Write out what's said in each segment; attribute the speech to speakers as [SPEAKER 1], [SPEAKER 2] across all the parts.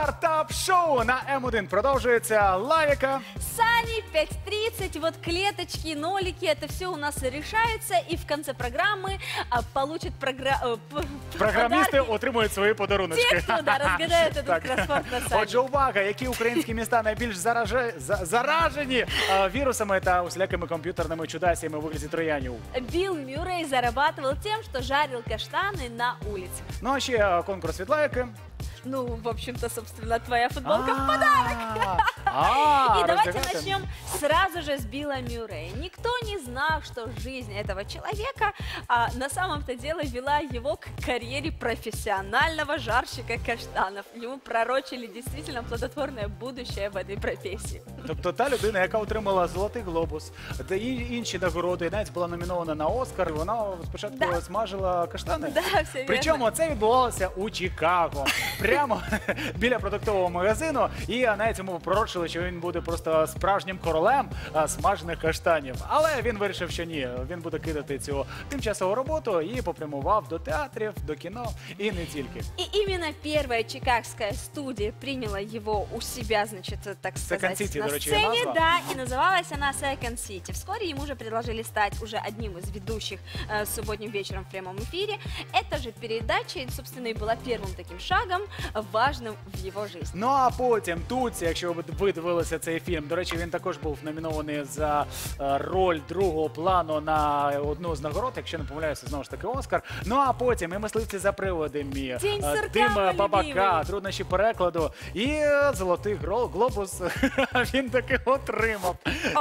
[SPEAKER 1] Стартап-шоу на М1 продовжується. Лавіка.
[SPEAKER 2] Сани, 5:30, вот клеточки, нолики, это все у нас решается, и в конце программы получат
[SPEAKER 1] Програмісти отримують свої подаруночки.
[SPEAKER 2] Те, кто разгадает этот кроссворд на Сани.
[SPEAKER 1] Отже, увага, які українські міста найбільш заражені вірусами та усілякими комп'ютерними чудасями у вигляді троянів.
[SPEAKER 2] Билл Мюррей зарабатывал тем, что жарил каштаны на улице.
[SPEAKER 1] Ну а ще конкурс від Лавіки.
[SPEAKER 2] Ну, в общем-то, собственно, твоя футболка в подарок. И давайте начнем сразу же с Билла Мюррея. Никто не знал, что жизнь этого человека на самом-то деле вела его к карьере профессионального жарщика каштанов. Ему пророчили действительно плодотворное будущее в этой профессии.
[SPEAKER 1] Тобто та людина, яка отримала Золотий глобус, та інші нагороди, навіть була номінована на Оскар, вона спочатку смажила каштани.
[SPEAKER 2] Да, все вірно.
[SPEAKER 1] Причому це відбувалося у Чикаго, прямо біля продуктового магазину, і навіть йому пророчили, що він буде просто справжнім королем смажених каштанів. Але він вирішив, що ні, він буде кидати цю тимчасову роботу і попрямував до театрів, до кіно і не тільки.
[SPEAKER 2] И именно первая чикагская студия приняла его у себя, значит, так сказать,
[SPEAKER 1] City,
[SPEAKER 2] на
[SPEAKER 1] дорогие,
[SPEAKER 2] сцене,
[SPEAKER 1] назва.
[SPEAKER 2] да, и называлась она Second City. Вскоре ему же предложили стать уже одним из ведущих субботним вечером в прямом эфире. Эта же передача, собственно, и была первым таким шагом, важным в его жизни.
[SPEAKER 1] Ну а потім тут, якщо ви дивилися цей фільм, до речі, він також був номінований за роль другого плану на одну з нагород, якщо не помиляюся, знову ж таки Оскар. Ну а потім і «Мисливці за приводами», «Дим бабака», «Труднощі перекладу» і «Золотий глобус» він таки отримав.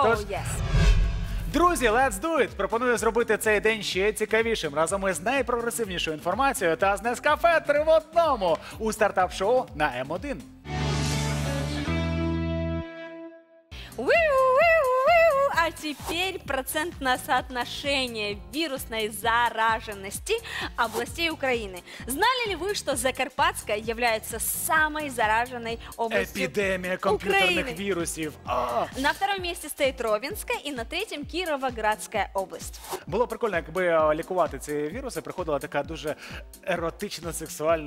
[SPEAKER 1] Друзі, let's do it! Пропоную зробити цей день ще цікавішим разом із найпрогресивнішою інформацією та з Нескафе 3 в 1 у стартап-шоу на М1.
[SPEAKER 2] А теперь процентное соотношение вирусной зараженности областей Украины. Знали ли вы, что Закарпатская является самой зараженной областью
[SPEAKER 1] Епідемія комп'ютерних
[SPEAKER 2] Украины?
[SPEAKER 1] вірусів.
[SPEAKER 2] На втором месте стоит Ровенская и на третьем Кировоградская область.
[SPEAKER 1] Було прикольно, якби лікувати ці віруси приходила така дуже еротична, сексуальна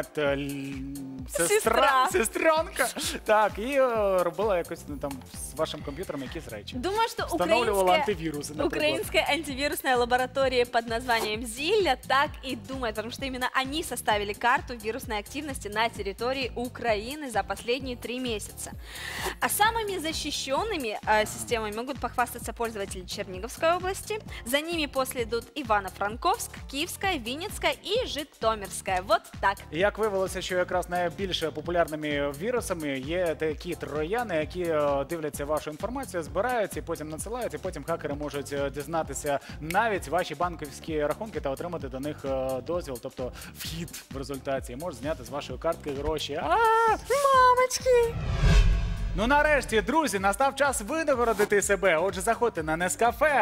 [SPEAKER 1] сестренка. Так, і робила якось там з вашим комп'ютером якісь речі.
[SPEAKER 2] Думаю, что
[SPEAKER 1] Встановлювала антивирусы, например.
[SPEAKER 2] украинская антивирусная лаборатория под названием Зилля так и думает, потому что именно они составили карту вирусной активности на территории Украины за последние 3 месяца. А самыми защищенными системами могут похвастаться пользователи Черниговской области. За ними после идут Ивано-Франковск, Киевская, Винницкая и Житомирская. Вот так.
[SPEAKER 1] Як виявилося, що якраз найбільш популярними вірусами є такі трояни, які дивляться вашу інформацію, збирають і потім надсилають, і потім хакери можуть дізнатися навіть ваші банківські рахунки та отримати до них дозвіл, тобто вхід в результаті. Можуть зняти з вашої картки гроші.
[SPEAKER 2] Мамочки!
[SPEAKER 1] Ну нарешті, друзі, настав час винагородити себе. Отже, заходьте на Нескафе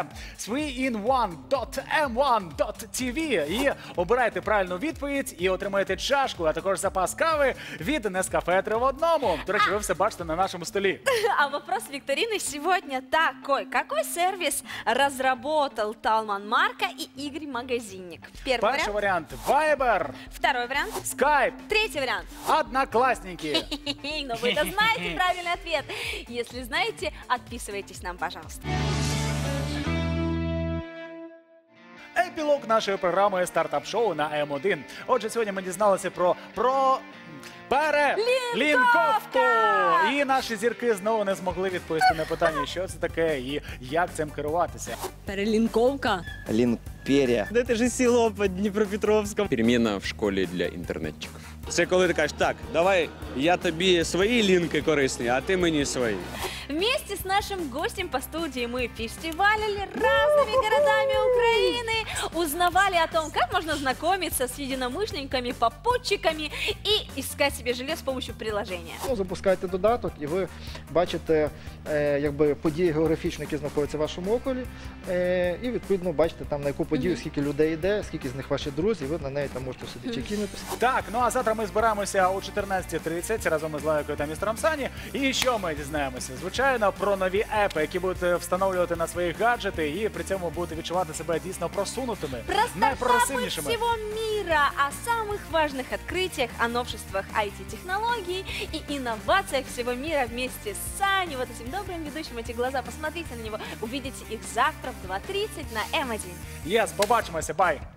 [SPEAKER 1] 3in1.m1.tv і обирайте правильну відповідь і отримаєте чашку, а також запас кави від Нескафе 3 в 1. До речі, ви все бачите на нашому столі.
[SPEAKER 2] А вопрос викторины сегодня такой. Какой сервис разработал Талман Марка и Игорь Магазинник? Первый
[SPEAKER 1] Перший
[SPEAKER 2] вариант.
[SPEAKER 1] варіант Viber,
[SPEAKER 2] Второй вариант.
[SPEAKER 1] Skype,
[SPEAKER 2] Третий вариант.
[SPEAKER 1] Одноклассники.
[SPEAKER 2] Но вы-то знаете правильный ответ. Если знаете, отписывайтесь нам, пожалуйста.
[SPEAKER 1] Епілог нашої програми «Стартап-шоу» на М1. Отже, сьогодні ми дізналися про перелінковку. І наші зірки знову не змогли відповісти на питання, що це таке і як цим керуватися.
[SPEAKER 3] Перелинковка.
[SPEAKER 4] Лінкперія.
[SPEAKER 5] Да это же село под Днепропетровском.
[SPEAKER 6] Переміна в школі для інтернетчиків. Це коли ти кажеш, так, давай я тобі свої лінки корисні, а ти мені свої.
[SPEAKER 2] Вместе с нашим гостем по студии мы фестивалили разными городами Украины, узнавали о том, как можно знакомиться с единомышленниками, попутчиками и искать себе жилье с помощью приложения.
[SPEAKER 7] Запускаєте додаток і ви бачите події географічні, які знаходяться в вашому околі, і відповідно бачите там, на яку подію подію, скільки людей йде, скільки з них ваші друзі, ви на неї там можете собі чекінитися.
[SPEAKER 1] Так, ну а завтра ми збираємося о 14:30 разом із Лайкою та містером Сані. І що ми дізнаємося? Звичайно, про нові епи, які будете встановлювати на свої гаджети і при цьому будете відчувати себе дійсно просунутими,
[SPEAKER 2] Про стартапы
[SPEAKER 1] найпрогресивнішими.
[SPEAKER 2] всего мира, о самых важных открытиях, о новшествах IT-технологий и инновациях всего мира вместе с Саней, вот этим добрым ведущим, эти глаза, посмотрите на него, увидите их завтра в 2:30 на М1.
[SPEAKER 1] Єс, побачимося, бай!